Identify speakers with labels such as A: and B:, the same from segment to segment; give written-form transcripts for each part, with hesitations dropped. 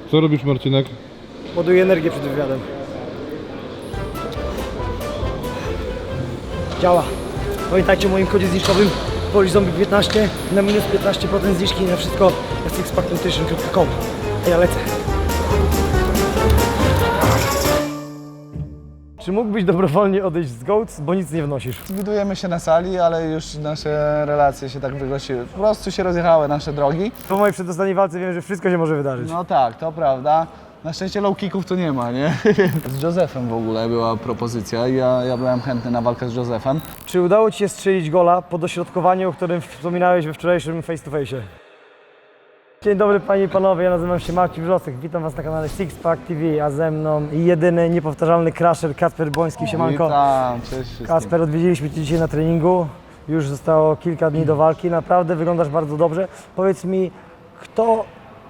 A: Co robisz, Marcinek?
B: Ładuję energię przed wywiadem. Działa. Pamiętajcie o moim kodzie zniżkowym POLIZOMBIE15 na minus 15% zniżki na wszystko na sixpacknutrition.com. A ja lecę. Czy mógłbyś dobrowolnie odejść z GOATS, bo nic nie wnosisz?
C: Widujemy się na sali, ale już nasze relacje się tak wygłosiły. Po prostu się rozjechały nasze drogi.
B: Po mojej przedostatniej walce wiem, że wszystko się może wydarzyć.
C: No tak, to prawda. Na szczęście low kicków tu nie ma, nie? Z Josephem w ogóle była propozycja. Ja byłem chętny na walkę z Josephem.
B: Czy udało Ci się strzelić gola po dośrodkowaniu, o którym wspominałeś we wczorajszym face to face? Dzień dobry Panie i Panowie, ja nazywam się Marcin Wrzosek, witam Was na kanale Sixpack TV, a ze mną jedyny, niepowtarzalny crusher Kacper Boński, siemanko.
C: Witam, cześć wszystkim.
B: Kacper, odwiedziliśmy Cię dzisiaj na treningu, już zostało kilka dni do walki, naprawdę wyglądasz bardzo dobrze. Powiedz mi, kto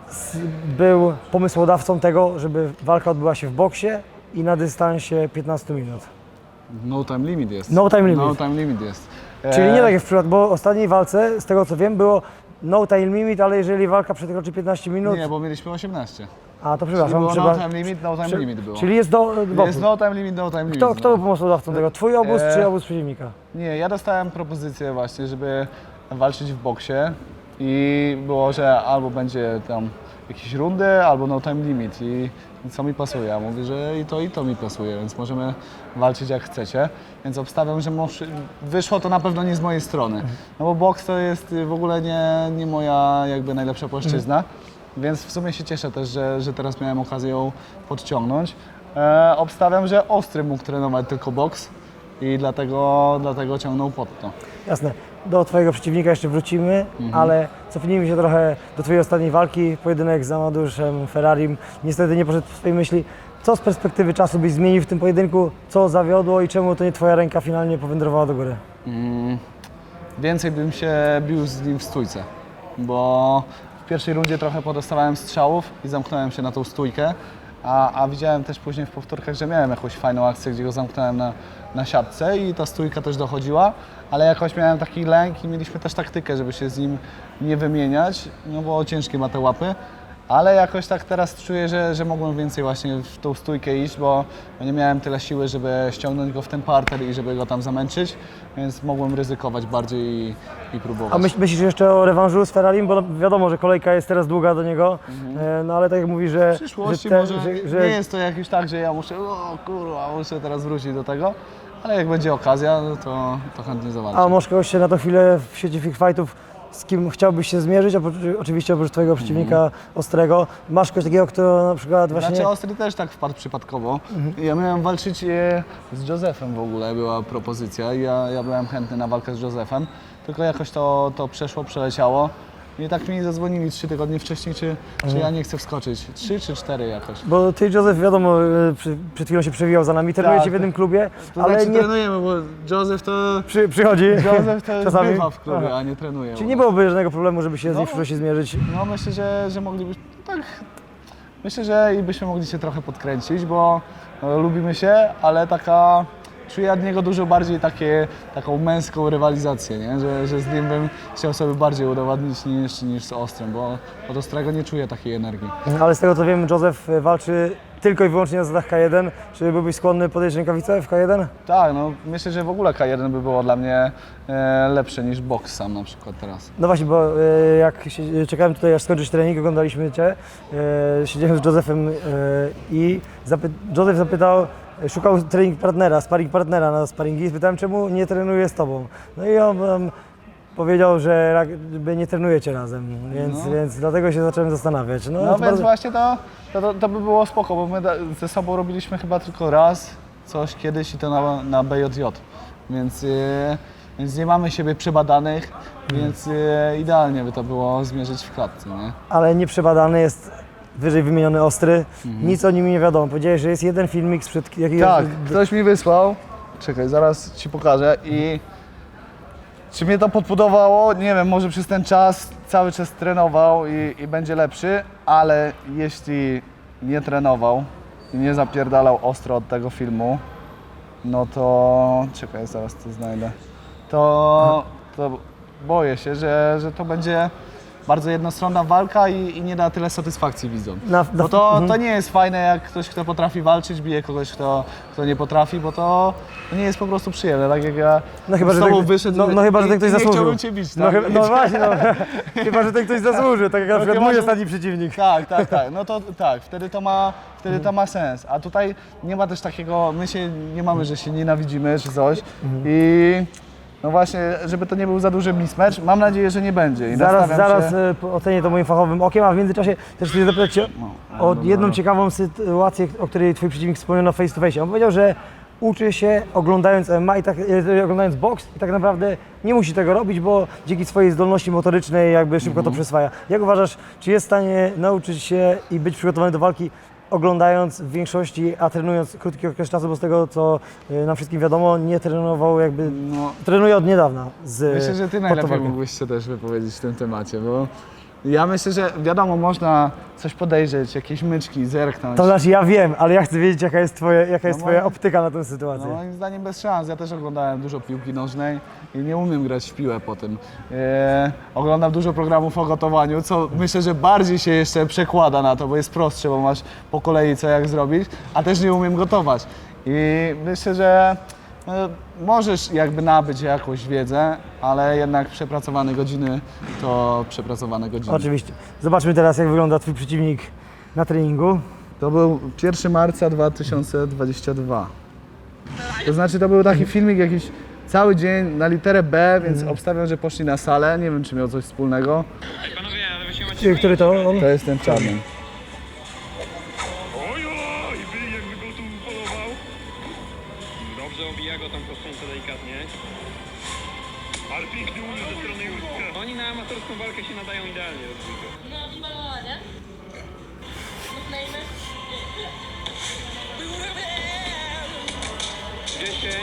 B: był pomysłodawcą tego, żeby walka odbyła się w boksie i na dystansie 15 minut?
C: No time limit jest.
B: No time limit.
C: No time limit jest.
B: Czyli nie tak jak w przypadku, bo w ostatniej walce, z tego co wiem, było no time limit, ale jeżeli walka przekroczy 15 minut...
C: Nie, bo mieliśmy 18.
B: A to przepraszam.
C: Było no time limit, no time limit było.
B: Czyli jest do boku.
C: Jest no time limit, no time limit.
B: Kto był pomysłodawcą tego? Twój obóz czy obóz przeciwnika?
C: Nie, ja dostałem propozycję właśnie, żeby walczyć w boksie i było, że albo będzie tam jakieś rundy, albo no time limit i co mi pasuje. Ja mówię, że i to mi pasuje, więc możemy walczyć jak chcecie. Więc obstawiam, że wyszło to na pewno nie z mojej strony. No bo boks to jest w ogóle nie moja jakby najlepsza płaszczyzna. Więc w sumie się cieszę też, że teraz miałem okazję ją podciągnąć. Obstawiam, że Ostry mógł trenować tylko boks i dlatego ciągnął pod to.
B: Jasne. Do Twojego przeciwnika jeszcze wrócimy, ale cofnijmy się trochę do Twojej ostatniej walki. Pojedynek z Amadeuszem Ferrarim niestety nie poszedł w Twojej myśli. Co z perspektywy czasu byś zmienił w tym pojedynku? Co zawiodło i czemu to nie Twoja ręka finalnie powędrowała do góry?
C: Więcej bym się bił z nim w stójce, bo w pierwszej rundzie trochę podostawałem strzałów i zamknąłem się na tą stójkę, a widziałem też później w powtórkach, że miałem jakąś fajną akcję, gdzie go zamknąłem na siatce i ta stójka też dochodziła, ale jakoś miałem taki lęk i mieliśmy też taktykę, żeby się z nim nie wymieniać, no bo ciężkie ma te łapy. Ale jakoś tak teraz czuję, że mogłem więcej właśnie w tą stójkę iść, bo nie miałem tyle siły, żeby ściągnąć go w ten parter i żeby go tam zamęczyć, więc mogłem ryzykować bardziej i próbować.
B: A myślisz jeszcze o rewanżu z Ferrarim? Bo wiadomo, że kolejka jest teraz długa do niego, no ale tak jak mówisz, że...
C: W przyszłości
B: że
C: nie jest to jakiś tak, że ja muszę, o kurwa, muszę teraz wrócić do tego, ale jak będzie okazja, no to chętnie zawalczę.
B: A może kogoś się na tą chwilę w sieci Freak Fightów, z kim chciałbyś się zmierzyć, oczywiście oprócz Twojego przeciwnika Ostrego. Masz kogoś takiego, kto na przykład właśnie...
C: Znaczy Ostry też tak wpadł przypadkowo. Ja miałem walczyć z Josephem w ogóle, była propozycja. Ja byłem chętny na walkę z Josephem, tylko jakoś to przeszło, przeleciało. I tak mi zadzwonili 3 tygodnie wcześniej, czy ja nie chcę wskoczyć. 3 czy 4 jakoś.
B: Bo Ty, Józef, wiadomo, przed chwilą się przewijał za nami, trenujecie w jednym klubie,
C: To
B: ale
C: znaczy
B: nie...
C: trenujemy, bo Józef to...
B: Przychodzi
C: Józef to
B: czasami.
C: bywa w klubie,
B: Aha.
C: a nie trenuje.
B: Czyli nie byłoby żadnego problemu, żeby się z nim w
C: No.
B: przyszłości zmierzyć.
C: No myślę, że moglibyśmy, tak, myślę, że i byśmy mogli się trochę podkręcić, bo lubimy się, ale czuję od niego dużo bardziej taką męską rywalizację, nie? Że z nim bym chciał sobie bardziej udowodnić niż z Ostrym, bo od Ostrego nie czuję takiej energii.
B: Ale z tego co wiem, Józef walczy tylko i wyłącznie na zasadach K1. Czy byłbyś skłonny podejść rękawicę w K1?
C: Tak, no myślę, że w ogóle K1 by było dla mnie lepsze niż boks sam na przykład teraz.
B: No właśnie, bo czekałem tutaj aż skończyć trening, oglądaliśmy Cię, siedziałem z Józefem i Józef zapytał, szukał sparring partnera na sparingi, spytałem, czemu nie trenuje z Tobą. No i on powiedział, że nie trenujecie razem, więc dlatego się zacząłem zastanawiać.
C: No więc
B: bardzo...
C: właśnie to by było spoko, bo my ze sobą robiliśmy chyba tylko raz coś kiedyś i to na BJJ, więc nie mamy siebie przebadanych, więc idealnie by to było zmierzyć w klatce, nie?
B: Ale nieprzebadany jest wyżej wymieniony Ostry, nic o nim nie wiadomo. Powiedziałeś, że jest jeden filmik sprzed jakiegoś...
C: Tak, ktoś mi wysłał, czekaj, zaraz Ci pokażę i czy mnie to podbudowało? Nie wiem, może przez ten czas cały czas trenował i będzie lepszy, ale jeśli nie trenował i nie zapierdalał ostro od tego filmu, no to czekaj, zaraz to znajdę. To boję się, że to będzie bardzo jednostronna walka i nie da tyle satysfakcji widzom. Bo to nie jest fajne, jak ktoś, kto potrafi walczyć, bije kogoś, kto nie potrafi, bo to nie jest po prostu przyjemne. Tak jak ja
B: chyba,
C: z
B: że
C: tobą
B: ten,
C: wyszedł
B: chyba, że ten ktoś
C: nie
B: zasłużył.
C: chciałbym cię bić, tak?
B: No właśnie, chyba, że ten ktoś zasłużył, tak jak na przykład
C: chyba,
B: mój
C: że-
B: ostatni przeciwnik.
C: Tak. No to tak, wtedy to ma sens. A tutaj nie ma też takiego, my się nie mamy, że się nienawidzimy czy coś. I no właśnie, żeby to nie był za duży mismatch, mam nadzieję, że nie będzie. I
B: Zaraz
C: nastawiam się...
B: ocenię to moim fachowym okiem, a w międzyczasie też chcę zapytać Cię o jedną ciekawą sytuację, o której Twój przeciwnik wspomniał na face to face. On powiedział, że uczy się oglądając MMA oglądając boks i tak naprawdę nie musi tego robić, bo dzięki swojej zdolności motorycznej jakby szybko to przyswaja. Jak uważasz, czy jest w stanie nauczyć się i być przygotowany do walki oglądając w większości, a trenując krótki okres czasu, bo z tego co nam wszystkim wiadomo, nie trenował jakby, trenuje od niedawna z
C: Myślę, że ty najlepiej
B: walką.
C: mógłbyś się też wypowiedzieć w tym temacie, bo ja myślę, że wiadomo, można coś podejrzeć, jakieś myczki, zerknąć.
B: To znaczy ja wiem, ale ja chcę wiedzieć jaka jest twoja
C: moim-
B: optyka na tę
C: No
B: sytuację.
C: moim zdaniem bez szans. Ja też oglądałem dużo piłki nożnej i nie umiem grać w piłę po tym. Oglądam dużo programów o gotowaniu, co myślę, że bardziej się jeszcze przekłada na to, bo jest prostsze, bo masz po kolei co jak zrobić, a też nie umiem gotować. I myślę, że możesz jakby nabyć jakąś wiedzę, ale jednak przepracowane godziny to przepracowane godziny.
B: Oczywiście. Zobaczmy teraz jak wygląda twój przeciwnik na treningu.
C: To był 1 marca 2022. To znaczy to był taki filmik jakiś cały dzień na literę B, więc obstawiam, że poszli na salę. Nie wiem, czy miał coś wspólnego.
A: Panowie, ale wy się macie...
B: Który to on?
C: To jest ten czarny.
A: Oj, jakby go tu polował. Dobrze obija go tam prostą delikatnie. Ale piękny unik ze strony Józka. Oni na amatorską walkę się nadają idealnie do dwójka.
D: No i malowa, nie? Nickname?
A: 10.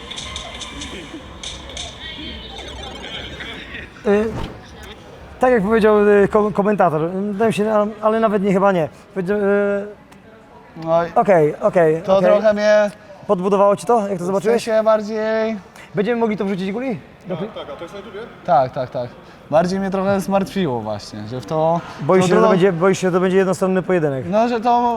B: Tak jak powiedział komentator, wydaje mi się, ale nawet nie chyba nie. Powiedział,
C: No i
B: Okej.
C: to trochę mnie
B: Podbudowało Ci to, jak to
C: w
B: zobaczyłeś?
C: sensie bardziej...
B: Będziemy mogli to wrzucić guli?
C: Tak. Bardziej mnie trochę zmartwiło właśnie, że w to...
B: Boisz się,
C: trudno-
B: boisz się, że to będzie jednostronny pojedynek.
C: No,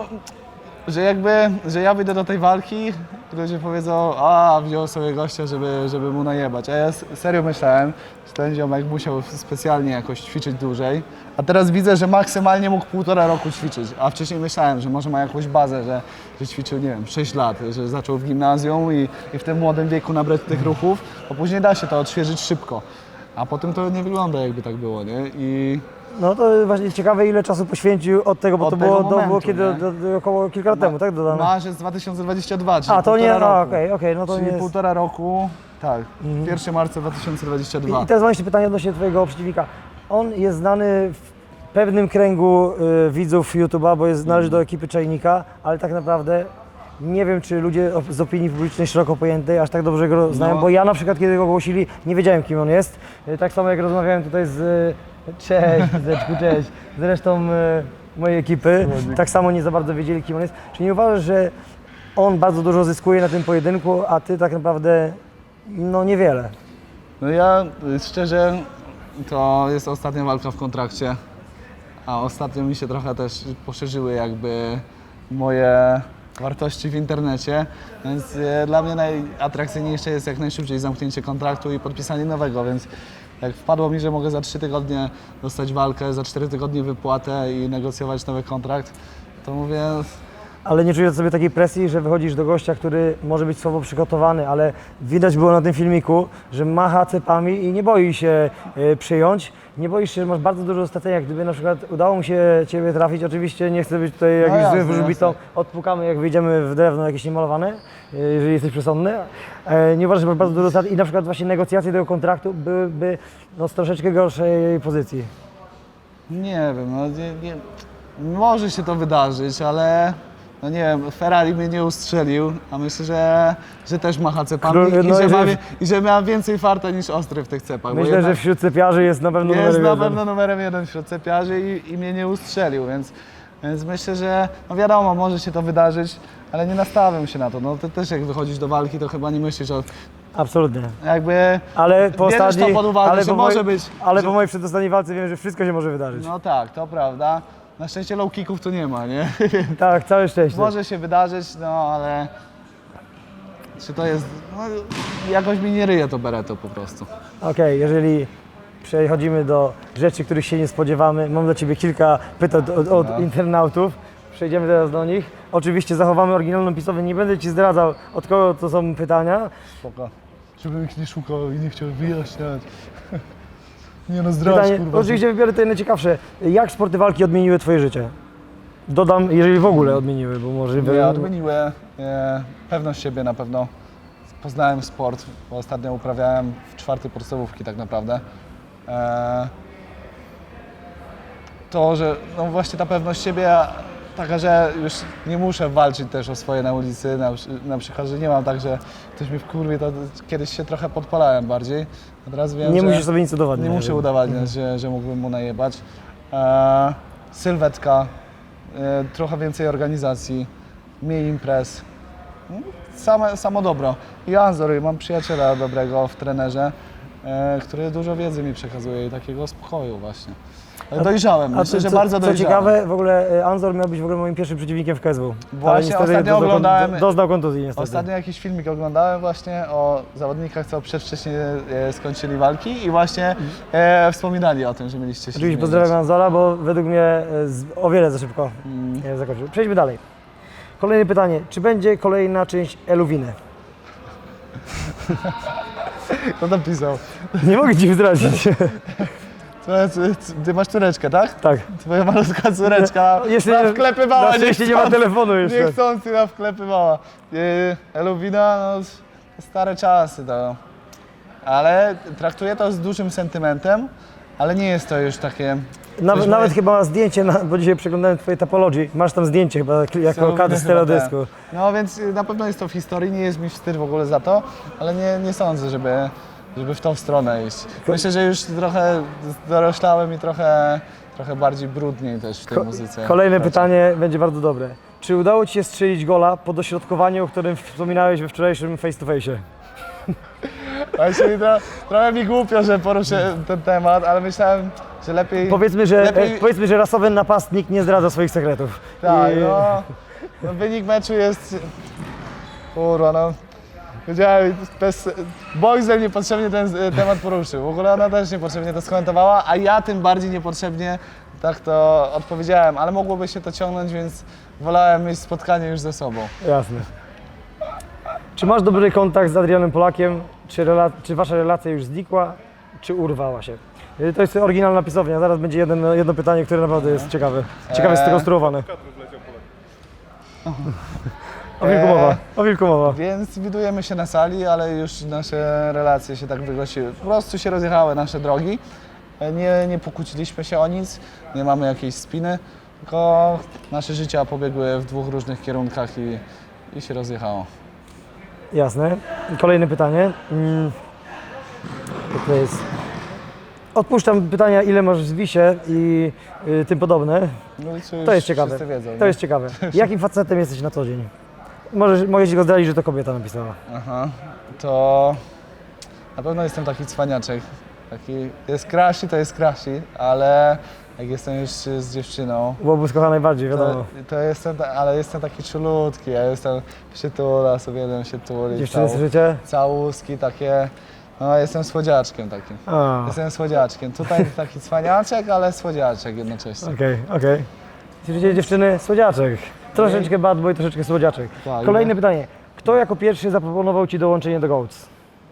C: że ja wyjdę do tej walki, ludzie powiedzą, wziął sobie gościa, żeby mu najebać. A ja serio myślałem, że ten ziomek musiał specjalnie jakoś ćwiczyć dłużej. A teraz widzę, że maksymalnie mógł 1,5 roku ćwiczyć. A wcześniej myślałem, że może ma jakąś bazę, że ćwiczył, nie wiem, 6 lat, że zaczął w gimnazjum i w tym młodym wieku nabrać tych ruchów, bo później da się to odświeżyć szybko. A potem to nie wygląda, jakby tak było, nie? I
B: No to właśnie ciekawe, ile czasu poświęcił od tego, bo
C: Od
B: to
C: tego
B: było,
C: momentu,
B: kiedy
C: nie?
B: około kilka lat temu, tak? Dodane.
C: marzec 2022, czyli
B: A, to nie,
C: półtora
B: no
C: roku.
B: okej, no to
C: Czyli
B: nie jest...
C: 1,5 roku, tak, 1 marca 2022.
B: I teraz mam jeszcze pytanie odnośnie Twojego przeciwnika. On jest znany w pewnym kręgu widzów YouTube'a, bo należy do ekipy Czajnika, ale tak naprawdę nie wiem, czy ludzie z opinii publicznej szeroko pojętej aż tak dobrze go znają,
C: No.
B: bo ja na przykład, kiedy go ogłosili, nie wiedziałem, kim on jest. Tak samo jak rozmawiałem tutaj z... Cześć, Zeczku, cześć. Z resztą mojej ekipy, tak samo nie za bardzo wiedzieli, kim on jest. Czy nie uważasz, że on bardzo dużo zyskuje na tym pojedynku, a Ty tak naprawdę, no niewiele?
C: No ja szczerze, to jest ostatnia walka w kontrakcie, a ostatnio mi się trochę też poszerzyły jakby moje wartości w internecie, więc dla mnie najatrakcyjniejsze jest jak najszybciej zamknięcie kontraktu i podpisanie nowego, więc jak wpadło mi, że mogę za 3 tygodnie dostać walkę, za 4 tygodnie wypłatę i negocjować nowy kontrakt, to mówię,
B: Ale nie czujesz sobie takiej presji, że wychodzisz do gościa, który może być słabo przygotowany, ale widać było na tym filmiku, że macha cepami i nie boi się przyjąć. Nie boisz się, że masz bardzo dużo stracenia. Gdyby na przykład udało mu się Ciebie trafić, oczywiście nie chcę być tutaj jakimś
C: jasne,
B: złym wróżbitą,
C: jasne.
B: odpukamy jak wyjdziemy w drewno jakieś niemalowane, jeżeli jesteś przesądny. Nie uważasz, że masz bardzo dużo strat i na przykład właśnie negocjacje tego kontraktu byłyby no, z troszeczkę gorszej pozycji.
C: nie wiem, no nie, może się to wydarzyć, ale no nie wiem, Ferrari mnie nie ustrzelił, a myślę, że też macha cepami i że miałem więcej farta niż Ostry w tych cepach. bo
B: Myślę,
C: jednak
B: że wśród cepiarzy jest na pewno
C: jest
B: numerem
C: na
B: jeden.
C: pewno numerem 1 wśród cepiarzy i mnie nie ustrzelił, więc myślę, że no wiadomo, może się to wydarzyć, ale nie nastawiam się na to. No to też jak wychodzisz do walki, to chyba nie myślisz o
B: Absolutnie.
C: Jakby
B: Ale po
C: bierzesz
B: ostatniej,
C: to pod uwagę,
B: ale
C: że
B: po
C: może być...
B: Ale po mojej przedostatniej walce wiem, że wszystko się może wydarzyć.
C: No tak, to prawda. Na szczęście low kicków tu nie ma, nie?
B: Tak, całe szczęście.
C: Może się wydarzyć, no ale... Czy to jest... No, jakoś mi nie ryje to Beretto po prostu.
B: Okej, jeżeli przechodzimy do rzeczy, których się nie spodziewamy, mam dla Ciebie kilka pytań od internautów. Przejdziemy teraz do nich. Oczywiście zachowamy oryginalną pisownię, nie będę Ci zdradzał, od kogo to są pytania.
C: Spoko. Żebym ich nie szukał i nie chciał wyjaśniać. Nie no, zdradź,
B: Pytanie,
C: kurwa.
B: oczywiście wybiorę te najciekawsze. Jak sporty walki odmieniły Twoje życie? Dodam, jeżeli w ogóle odmieniły, bo może...
C: Nie, odmieniły. Pewność siebie na pewno. Poznałem sport, bo ostatnio uprawiałem w 4. podstawówki tak naprawdę. To, że no właśnie ta pewność siebie taka, że już nie muszę walczyć też o swoje na ulicy, na przykład, że nie mam tak, że ktoś mnie wkurwie, to kiedyś się trochę podpalałem bardziej. A teraz wiem,
B: Nie
C: że
B: musisz sobie nic udowadniać.
C: nie muszę udowadniać, że mógłbym mu najebać. Sylwetka, trochę więcej organizacji, mniej imprez. Samo dobro. I Anzor, mam przyjaciela dobrego w trenerze, który dużo wiedzy mi przekazuje i takiego spokoju właśnie. Dojrzałem, myślę, że bardzo
B: co
C: dojrzałem.
B: ciekawe, w ogóle Anzor miał być w ogóle moim pierwszym przeciwnikiem w KSW.
C: Właśnie
B: ale
C: ostatnio oglądałem-
B: Doznał kontuzji niestety.
C: Ostatnio jakiś filmik oglądałem właśnie o zawodnikach, co przedwcześnie skończyli walki i właśnie wspominali o tym, że mieliście się
B: Oczywiście
C: zmierzyć.
B: pozdrawiam Anzora, bo według mnie o wiele za szybko zakończył. Przejdźmy dalej. Kolejne pytanie. Czy będzie kolejna część Eluwiny?
C: Kto napisał?
B: Nie mogę Ci zdradzić.
C: Ty masz córeczkę, tak?
B: Tak.
C: Twoja malutka córeczka wklepywała,
B: na szczęście nie ma telefonu jeszcze.
C: niechcący na wklepywała. Eluwina, no stare czasy to. Ale traktuję to z dużym sentymentem, ale nie jest to już takie...
B: Nawet chyba ma zdjęcie, bo dzisiaj przeglądałem Twoje Topology. Masz tam zdjęcie chyba jako kadr z teledysku.
C: No więc na pewno jest to w historii, nie jest mi wstyd w ogóle za to, ale nie sądzę, żeby w tą stronę iść. Myślę, że już trochę doroślałem i trochę bardziej brudniej też w tej muzyce.
B: Kolejne pytanie będzie bardzo dobre. Czy udało Ci się strzelić gola po dośrodkowaniu, o którym wspominałeś we wczorajszym face to face?
C: Właśnie trochę mi głupio, że poruszę ten temat, ale myślałem, że lepiej...
B: Powiedzmy, że rasowy napastnik nie zdradza swoich sekretów.
C: Tak, no wynik meczu jest... Kurwa, no... Wiedziałem, Boxel niepotrzebnie ten temat poruszył. W ogóle ona też niepotrzebnie to skomentowała, a ja tym bardziej niepotrzebnie tak to odpowiedziałem, ale mogłoby się to ciągnąć, więc wolałem mieć spotkanie już ze sobą.
B: Jasne. Czy masz dobry kontakt z Adrianem Polakiem? Czy Wasza relacja już znikła, czy urwała się? To jest oryginalna pisownia. Zaraz będzie jedno pytanie, które naprawdę jest ciekawe. Ciekawe skonstruowane. O wilku mowa.
C: Więc widujemy się na sali, ale już nasze relacje się tak wygłosiły. Po prostu się rozjechały nasze drogi. Nie pokłóciliśmy się o nic, nie mamy jakiejś spiny, tylko nasze życia pobiegły w 2 różnych kierunkach i się rozjechało.
B: Jasne. Kolejne pytanie. To jest... Odpuszczam pytania, ile masz w Wisie i tym podobne.
C: No i
B: To jest ciekawe.
C: Wiedzą,
B: To jest ciekawe. Jakim facetem jesteś na co dzień? Mogę Ci go zdradzić, że to kobieta napisała.
C: Aha, to na pewno jestem taki cwaniaczek. Jest crushy, to jest crushy, ale jak jestem już z dziewczyną,
B: Byłoby kocha najbardziej, wiadomo.
C: ale jestem taki czulutki, ja jestem przytulas, uwielbiam się tulić.
B: Dziewczyny, słyszycie?
C: Całuski takie, no jestem słodziaczkiem takim.
B: A,
C: Jestem słodziaczkiem. Tutaj taki cwaniaczek, ale słodziaczek jednocześnie.
B: okej. Słyszycie, dziewczyny? Słodziaczek. Troszeczkę bad boy, troszeczkę słodziaczek.
C: Tak,
B: Kolejne pytanie. Kto jako pierwszy zaproponował Ci dołączenie do GOATS?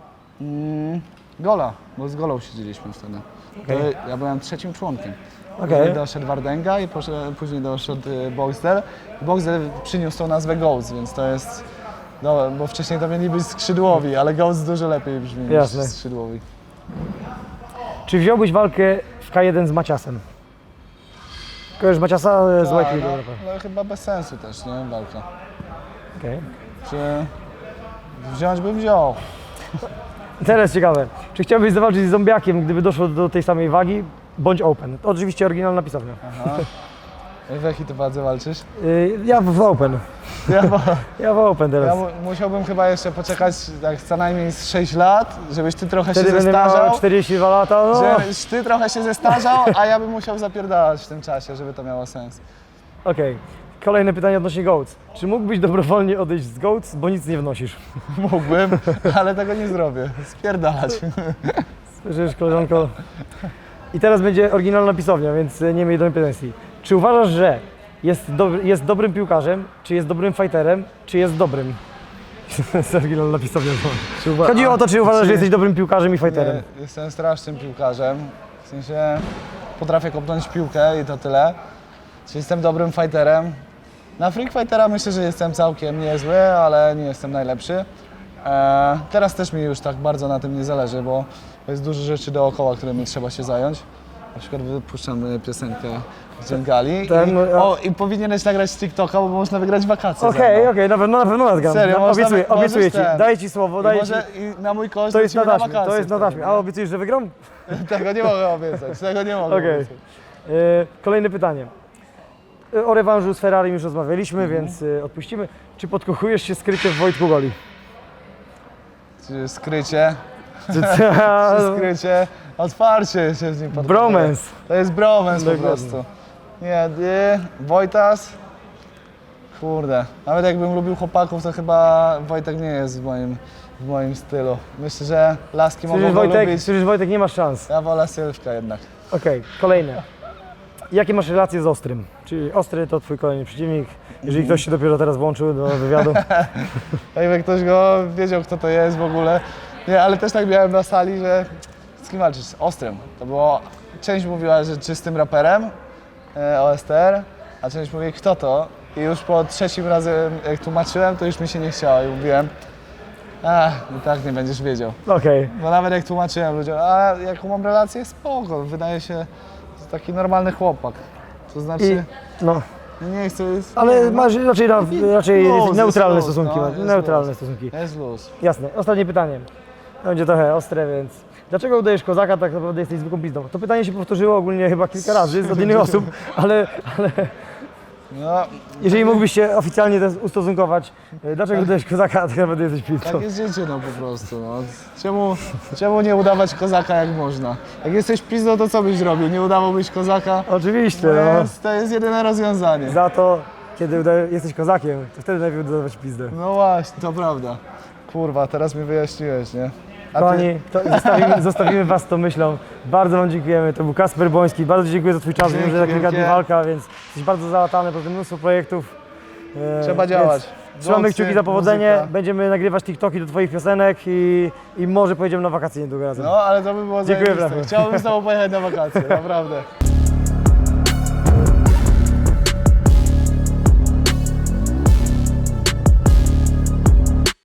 C: Gola, bo z Golą siedzieliśmy wtedy.
B: Okej.
C: Ja byłem 3. członkiem.
B: Okej.
C: Później doszedł Wardęga i później doszedł Boxdel. Boxdel przyniósł tą nazwę GOATS, więc to jest... No, bo wcześniej to mieli być skrzydłowi, ale GOATS dużo lepiej brzmi
B: Jasne.
C: niż skrzydłowi.
B: Czy wziąłbyś walkę w K1 z Maciasem? Kojarzysz Maciasa z White League?
C: no chyba bez sensu też, nie? Walka.
B: Okej.
C: Czy wziąć bym wziął.
B: Teraz ciekawe. Czy chciałbyś zawalczyć z zombiakiem, gdyby doszło do tej samej wagi, bądź open? To oczywiście oryginalna pisownia.
C: Aha. W jakiej ty wadze walczysz?
B: Ja w Open.
C: Ja,
B: Ja w Open
C: ja
B: teraz.
C: musiałbym chyba jeszcze poczekać tak co najmniej z 6 lat, żebyś ty trochę
B: Wtedy
C: się
B: będę miał
C: zestarzał.
B: 42 lata, no.
C: Żebyś ty trochę się zestarzał, a ja bym musiał zapierdalać w tym czasie, żeby to miało sens.
B: Okej. Kolejne pytanie odnośnie GOATS. Czy mógłbyś dobrowolnie odejść z GOATS, bo nic nie wnosisz?
C: Mógłbym, ale tego nie zrobię. Spierdalać.
B: Słyszysz, koleżanko? I teraz będzie oryginalna pisownia, więc nie miej do mnie pretensji. Czy uważasz, że jest dobrym piłkarzem, czy jest dobrym fighterem, czy jest dobrym? To jest oryginalna pisownia. Chodzi o to, czy uważasz, że jesteś dobrym piłkarzem i fighterem.
C: Nie, jestem strasznym piłkarzem. W sensie potrafię kopnąć piłkę i to tyle. Czy jestem dobrym fighterem? Na Freak Fightera myślę, że jestem całkiem niezły, ale nie jestem najlepszy. Teraz też mi już tak bardzo na tym nie zależy, bo jest dużo rzeczy dookoła, którymi trzeba się zająć. Na przykład wypuszczam piosenkę z Dżengali i powinieneś nagrać z TikToka, bo można wygrać wakacje.
B: Okej, na pewno nagram.
C: Serio,
B: Obiecuję ci,
C: ten.
B: daję ci słowo, daję ci.
C: I na mój koszt
B: To jest na
C: lecimy
B: taśmie,
C: wakacje
B: to jest na
C: wtedy,
B: taśmie. A obiecujesz, że wygram?
C: Tego nie mogę obiecać, tego nie mogę
B: Okej.
C: obiecać.
B: Kolejne pytanie. O rewanżu z Ferrari już rozmawialiśmy, więc odpuścimy. Czy podkochujesz się skrycie w Wojtku Goli?
C: Czy skrycie,
B: Czy-
C: skrycie, otwarcie się z nim podchodzę.
B: Bromance.
C: To jest bromance po
B: Dokładnie.
C: prostu. Nie, Wojtas, kurde, nawet jakbym lubił chłopaków, to chyba Wojtek nie jest w moim stylu. Myślę, że laski mogą go lubić.
B: Słyszysz, Wojtek, nie masz szans.
C: Ja wolę Sylwka jednak.
B: Okej, kolejne. Jakie masz relacje z Ostrym? Czyli Ostry to twój kolejny przeciwnik. Jeżeli ktoś się dopiero teraz włączył do wywiadu.
C: Jakby ktoś go wiedział, kto to jest w ogóle. Nie, ale też tak miałem na sali, że z kim walczysz? Z Ostrym. To było, część mówiła, że czystym raperem, OSTR, a część mówi, kto to? I już po trzecim razem, jak tłumaczyłem, to już mi się nie chciało i mówiłem, i tak nie będziesz wiedział.
B: Okej.
C: Bo nawet jak tłumaczyłem ludziom, a jaką mam relację? Spoko, wydaje się, że taki normalny chłopak. To znaczy,
B: No,
C: nie chcę...
B: ale masz raczej
C: Luz,
B: neutralne
C: jest luz,
B: stosunki.
C: no, jest
B: Neutralne
C: luz.
B: stosunki.
C: Jest luz.
B: Jasne. Ostatnie pytanie. Będzie trochę ostre, więc dlaczego udajesz kozaka, tak naprawdę jesteś zwykłą pizdą? To pytanie się powtórzyło ogólnie chyba kilka razy od innych osób, ale
C: No,
B: jeżeli mógłbyś się oficjalnie teraz ustosunkować, dlaczego udajesz kozaka, a tak naprawdę jesteś pizdą?
C: tak jest życie, no po prostu. No. Czemu nie udawać kozaka jak można? Jak jesteś pizdą, to co byś zrobił? Nie udawałbyś kozaka?
B: Oczywiście,
C: To jest jedyne rozwiązanie.
B: Za to, kiedy jesteś kozakiem, to wtedy najpierw udawać pizdę.
C: No właśnie, to prawda. Kurwa, teraz mi wyjaśniłeś, nie? A ty,
B: Kochani, to zostawimy was tą myślą. Bardzo wam dziękujemy. To był Kasper Boński. Bardzo dziękuję za twój czas. Wiem, że za kilka dni
C: wielkie.
B: walka, więc jesteś bardzo załatany, poza tym mnóstwo projektów.
C: trzeba
B: Więc
C: działać.
B: Trzymamy
C: Doksy,
B: kciuki za powodzenie.
C: muzyka.
B: Będziemy nagrywać TikToki do twoich piosenek i może pojedziemy na wakacje niedługo razem.
C: No, ale to by było
B: Dziękuję
C: zajebiste.
B: bardzo.
C: Chciałbym z tobą pojechać na wakacje, naprawdę.